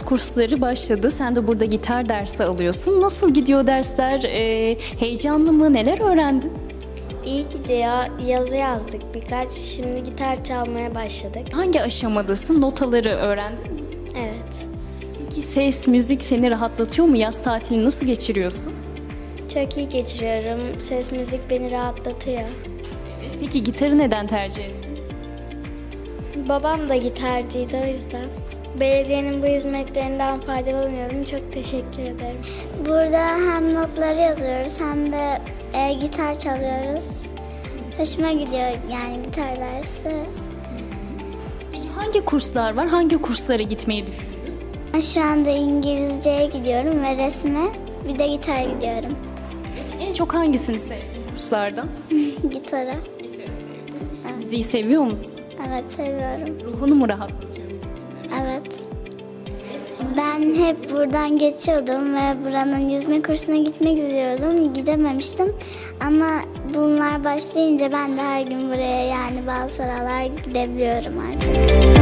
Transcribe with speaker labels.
Speaker 1: söz kursları başladı. Sen de burada gitar dersi alıyorsun. Nasıl gidiyor dersler? Heyecanlı mı? Neler öğrendin?
Speaker 2: İyi gidiyor. Yazı yazdık birkaç. Şimdi gitar çalmaya başladık.
Speaker 1: Hangi aşamadasın? Notaları öğrendin mi?
Speaker 2: Evet.
Speaker 1: Peki ses, müzik seni rahatlatıyor mu? Yaz tatilini nasıl geçiriyorsun?
Speaker 2: Çok iyi geçiriyorum. Ses müzik beni rahatlatıyor.
Speaker 1: Peki gitarı neden tercih ettin?
Speaker 2: Babam da gitarcıydı o yüzden. Belediyenin bu hizmetlerinden faydalanıyorum. Çok teşekkür ederim.
Speaker 3: Burada hem notları yazıyoruz hem de gitar çalıyoruz. Hoşuma gidiyor yani gitar dersi.
Speaker 1: Peki hangi kurslar var? Hangi kurslara gitmeyi düşünüyorsun?
Speaker 3: Ben şu anda İngilizceye gidiyorum ve resme, bir de gitar gidiyorum.
Speaker 1: En çok hangisini sevdin kurslardan?
Speaker 3: Gitara.
Speaker 1: Müziği seviyor musun?
Speaker 3: Evet, seviyorum.
Speaker 1: Ruhunu mu rahatlatıyor müzik?
Speaker 3: Evet. Ben hep buradan geçiyordum ve buranın yüzme kursuna gitmek istiyordum. Gidememiştim ama bunlar başlayınca ben de her gün buraya yani bazı sıralar gidebiliyorum artık.